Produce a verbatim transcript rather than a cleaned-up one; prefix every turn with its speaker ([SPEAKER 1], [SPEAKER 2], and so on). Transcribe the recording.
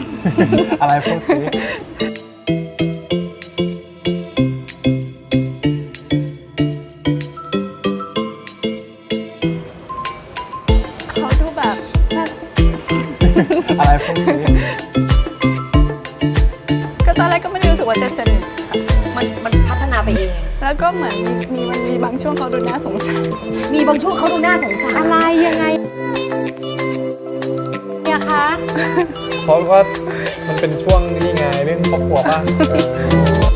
[SPEAKER 1] อะไรพูดสิ
[SPEAKER 2] เขาดูแบบแบบ
[SPEAKER 1] อะไรพูดสิ
[SPEAKER 2] ก็ตอนแรกก็ไม่ได้รู้สึกว่าจะสนิทค่ะ
[SPEAKER 3] มันมันพัฒนาไปเอง
[SPEAKER 2] แล้วก็เหมือนมีมีมันมีบางช่วงเขาดูน่าสงสาร
[SPEAKER 3] มีบางช่วงเขาดูน่าสงสาร
[SPEAKER 4] อะไรยังไงเนี่ยคะ
[SPEAKER 1] เพราะว่ามันเป็นช่วงนี่ไงเรื่องครอบครัวป่ะเออ